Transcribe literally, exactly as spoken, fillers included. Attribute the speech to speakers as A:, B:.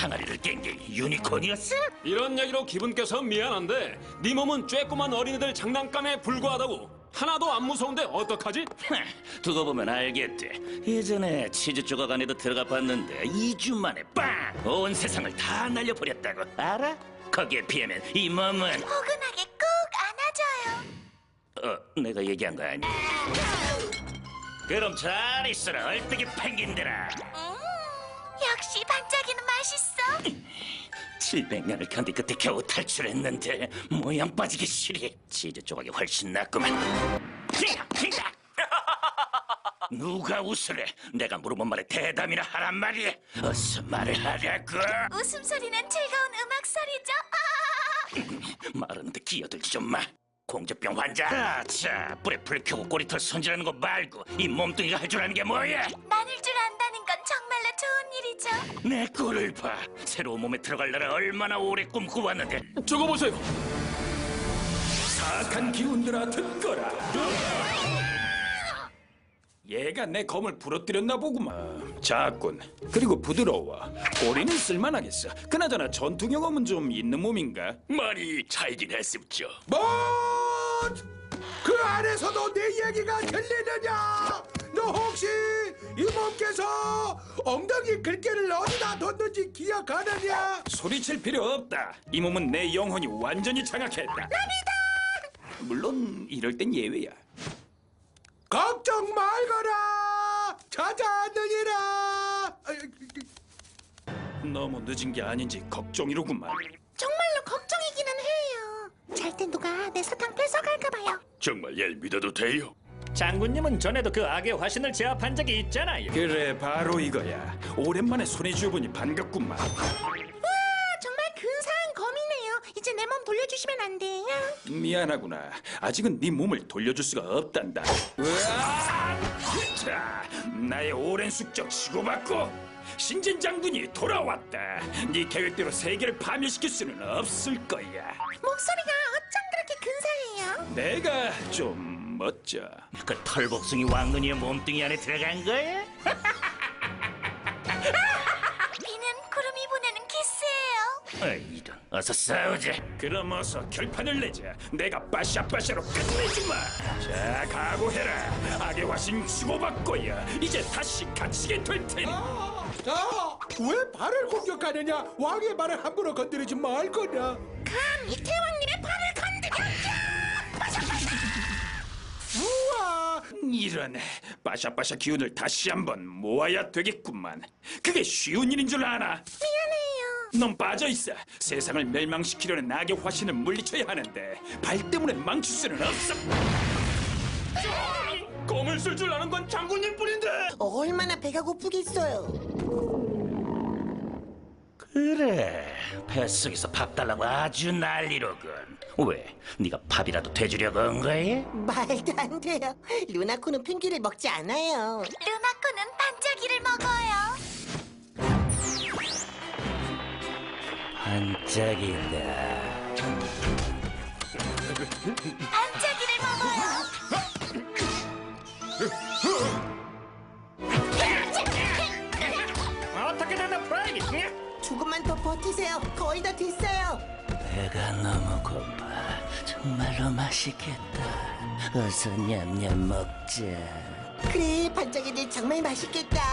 A: 항아리를 깬 게 유니콘이었어?
B: 이런 얘기로 기분 깨서 미안한데 네 몸은 쬐꼬만 어린애들 장난감에 불과하다고. 하나도 안 무서운데 어떡하지?
A: 두고 보면 알겠대. 예전에 치즈 조각 안에도 들어가 봤는데 이 주 만에 빵! 온 세상을 다 날려버렸다고. 알아? 거기에 비하면 이 몸은
C: 포근하게 꼭 안아줘요.
A: 어, 내가 얘기한 거 아니야? 그럼 잘 있어라, 얼뜨기 펭귄들아.
C: 음, 역시 반짝이는 맛있어.
A: 칠백 년을 견디 끝에 겨우 탈출했는데 모양 빠지기 싫이. 치즈 조각이 훨씬 낫구만. 누가 웃으래? 내가 물어본 말에 대담이나 하란 말이야. 어서 말을 하라고.
C: 웃음소리는 즐거운 음악소리죠.
A: 말하는데 끼어들지 좀 마. 공주병 환자. 자, 뿔에 불 켜고 꼬리털 손질하는 거 말고 이 몸뚱이가 할 줄 아는 게 뭐야?
C: 나눌 줄 안다는 건 정말로 좋은 일이죠.
A: 내 꼴을 봐. 새로운 몸에 들어갈 날을 얼마나 오래 꿈꿔왔는데.
B: 저거 보세요.
D: 사악한 기운들아 듣거라. 얘가 내 검을 부러뜨렸나 보구만. 작군. 그리고 부드러워. 꼬리는 쓸만하겠어. 그나저나 전투 경험은 좀 있는 몸인가?
A: 많이 차이긴 했습죠.
E: 뭐? 그 안에서도 내 얘기가 들리느냐? 너 혹시 이 몸께서 엉덩이 글귀를 어디다 뒀는지 기억하느냐?
D: 소리칠 필요 없다. 이 몸은 내 영혼이 완전히 장악했다. 남이다. 물론 이럴 땐 예외야.
E: 걱정 말거라. 찾아느니라.
D: 너무 늦은 게 아닌지 걱정이로구만.
C: 정말로 걱정이기는 해요. 잘 때 누가 내 사탕 뺏어갈까 봐요.
A: 정말 얄 믿어도 돼요?
F: 장군님은 전에도 그 악의 화신을 제압한 적이 있잖아요.
D: 그래, 바로 이거야. 오랜만에 손에 쥐어보니 반갑구만.
C: 우와, 정말 근사한 검이네요. 이제 내 몸 돌려주시면 안 돼요?
D: 미안하구나. 아직은 네 몸을 돌려줄 수가 없단다. 으아! 자, 나의 오랜 숙적 치고받고 신진 장군이 돌아왔다. 네 계획대로 세계를 파멸시킬 수는 없을 거야.
C: 목소리가 어쩜 그렇게 근사해요?
D: 내가 좀 멋져.
A: 그 털복숭이 왕눈이의 몸뚱이 안에 들어간 거야?
C: 비는 구름이 보내는 키스예요.
A: 아, 이런. 어서 싸우자.
D: 그럼 어서 결판을 내자. 내가 빠샤빠샤로 끝내주마. 자, 각오해라. 악의 화신 치고받고야. 이제 다시 갇히게 될 테니.
E: 자, 왜 발을 공격하느냐? 왕의 발을 함부로 건드리지 말 거냐?
C: 감히 태왕님의 발을 건드렸냐?
E: 우와,
D: 이런 빠샤빠샤 기운을 다시 한번 모아야 되겠구만. 그게 쉬운 일인 줄 아나?
C: 미안해요.
D: 넌 빠져있어. 세상을 멸망시키려는 악의 화신을 물리쳐야 하는데 발 때문에 망칠 수는 없어.
B: 검을 쓸 줄 아는 건 장군님 뿐인데.
G: 얼마나 배가 고프겠어요.
A: 그래, 뱃속에서 밥 달라고 아주 난리로군. 왜? 네가 밥이라도 돼주려고 한 거야?
G: 말도 안 돼요. 루나코는 펭귄을 먹지 않아요.
C: 루나코는 반짝이를 먹어요.
A: 반짝이다.
C: 반짝이를 먹어요.
F: 어떻게 된다, 프라이빗?
G: 조금만 더 버티세요. 거의 다 됐어요.
A: 배가 너무 고파. 정말로 맛있겠다. 어서 냠냠 먹자.
G: 그래, 반짝이들 정말 맛있겠다.